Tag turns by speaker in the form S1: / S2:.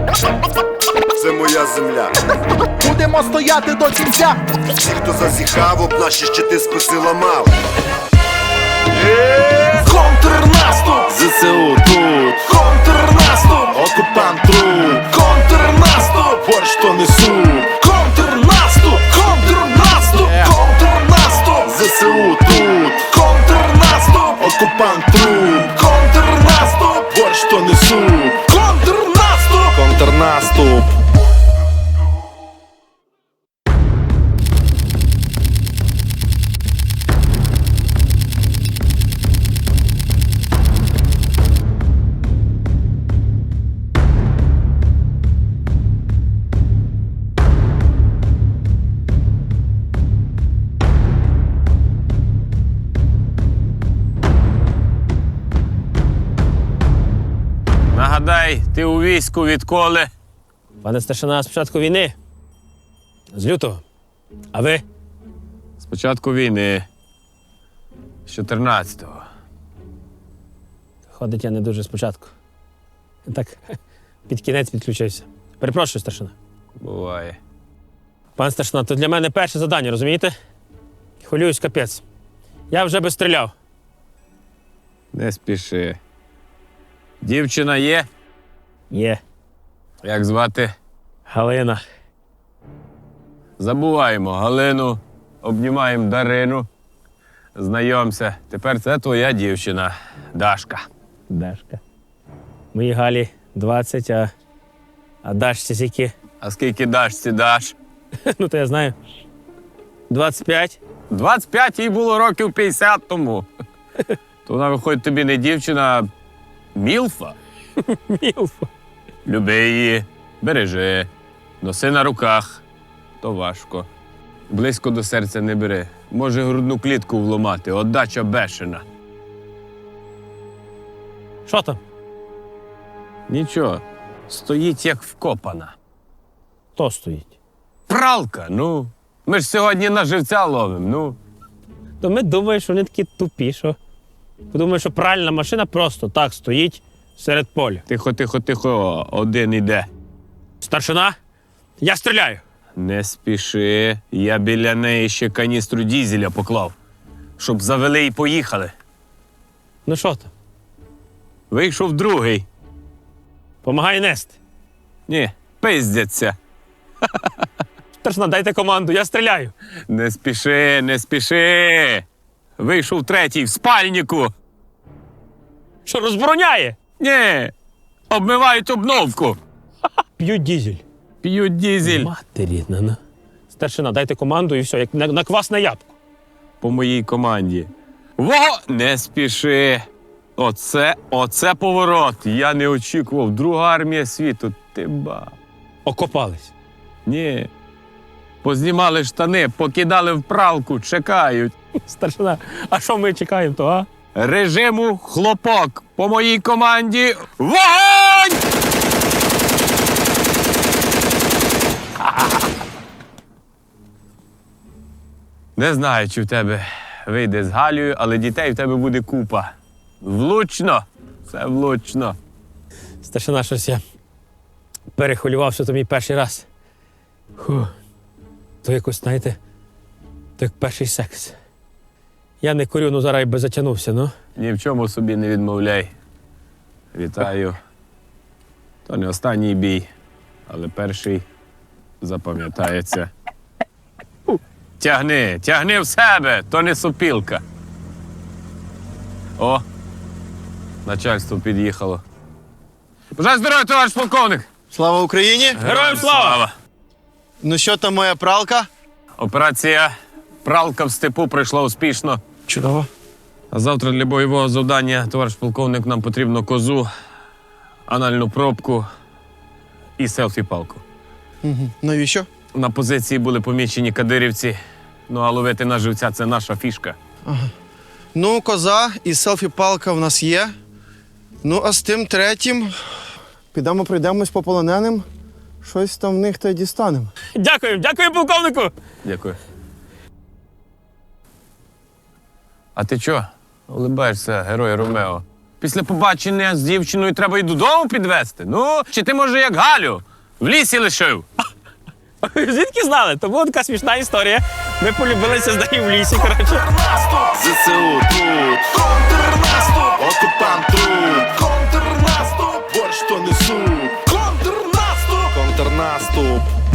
S1: Це моя земля.
S2: Будемо стояти до кінця.
S1: Ті, хто зазіхав, об наші щити списи ламав.
S2: Контрнаступ!
S3: ЗСУ тут,
S2: Контрнаступ!
S3: окупант труп,
S2: Контрнаступ!
S3: борщ то несу.
S2: Контрнаступ! Контрнаступ! Контрнаступ!
S3: ЗСУ тут,
S2: Контрнаступ!
S3: окупант труп,
S2: Контрнаступ!
S3: борщ то несу.
S2: Контрнаступ!
S3: Контрнаступ.
S4: Нагадай, ти у війську відколи?
S5: Пане старшина, з початку війни. З лютого. А ви?
S4: З початку війни. З 14-го.
S5: Ходить я не дуже спочатку. Так, під кінець підключився. Перепрошую, старшина.
S4: Буває.
S5: Пан старшина, то для мене перше завдання, розумієте? Хвилююсь, капець. Я вже би стріляв.
S4: Не спіши. Дівчина є?
S5: Є.
S4: Як звати?
S5: Галина.
S4: Забуваємо Галину, обнімаємо Дарину. Знайомся. Тепер це твоя дівчина, Дашка.
S5: Дашка. Моїй Галі 20, а Дашці скільки?
S4: А скільки Дашці даш?
S5: Ну, то я знаю. 25.
S4: 25 їй було років 50 тому. То вона, виходить, тобі не дівчина, а мілфа.
S5: Мілфа.
S4: Люби її, бережи, носи на руках. То важко. Близько до серця не бери. Може грудну клітку вломати, отдача бешена.
S5: Що там?
S4: Нічого, стоїть як вкопана.
S5: Хто стоїть?
S4: Пралка, ну. Ми ж сьогодні на живця ловимо, ну.
S5: То ми думаємо, що вони такі тупі, що подумаємо, що пральна машина просто так стоїть серед поля.
S4: Тихо, тихо, тихо, один іде.
S5: Старшина, я стріляю.
S4: Не спіши, я біля неї ще каністру дізеля поклав, щоб завели і поїхали.
S5: Ну що там?
S4: Вийшов другий.
S5: Помагай нести.
S4: Ні, пиздяться.
S5: Старшина, дайте команду, я стріляю.
S4: Не спіши, не спіши. Вийшов третій в спальнику.
S5: Що, розбороняє?
S4: Ні, обмивають обновку.
S5: П'ють дізель.
S4: П'ють дізель.
S5: Мати рідна, ну. Старшина, дайте команду і все, як на квасне ябко.
S4: По моїй команді. Не спіши. Оце поворот. Я не очікував. Друга армія світу. Ти ба.
S5: Окопались.
S4: Ні. Познімали штани, покидали в пралку, чекають.
S5: Старшина, а що ми чекаємо, то, а?
S4: Режиму хлопок. По моїй команді вогонь! Не знаю, чи в тебе вийде з Галею, але дітей в тебе буде купа. Влучно! Це влучно.
S5: Старшина, щось я перехвилював, що то мій перший раз. То якось, знаєте, то як перший секс. Я не курю, ну зараз би затягнувся, ну.
S4: Ні в чому собі не відмовляй. Вітаю. То не останній бій, але перший запам'ятається. Тягни в себе, то не сопілка. О, начальство під'їхало. Бажаю здоров'я, товариш полковник!
S6: Слава Україні!
S5: Героям слава!
S6: Ну що там моя пралка?
S4: Операція «Пралка в степу» пройшла успішно.
S6: Чудово.
S4: А завтра для бойового завдання, товариш полковник, нам потрібно козу, анальну пробку і селфі-палку.
S6: Навіщо?
S4: На позиції були помічені кадирівці, ну а ловити на живця – це наша фішка.
S6: Ну, коза і селфі-палка в нас є. Ну, а з тим третім підемо пройдемось по полоненим. Щось там в них та й дістанемо.
S5: Дякую, полковнику!
S4: Дякую. А ти чо? Улибаєшся, герой Ромео. Після побачення з дівчиною треба й додому підвезти. Ну, чи ти, може, як Галю, в лісі лишив?
S5: Звідки знали? То була така смішна історія. Ми полюбилися з нею в лісі, коротше.
S3: ЗСУ тут,
S2: Контрнаступ!
S3: окупант тут,
S2: Контрнаступ!
S3: борщ то несуть,
S2: Контрнаступ!
S3: контрнаступ.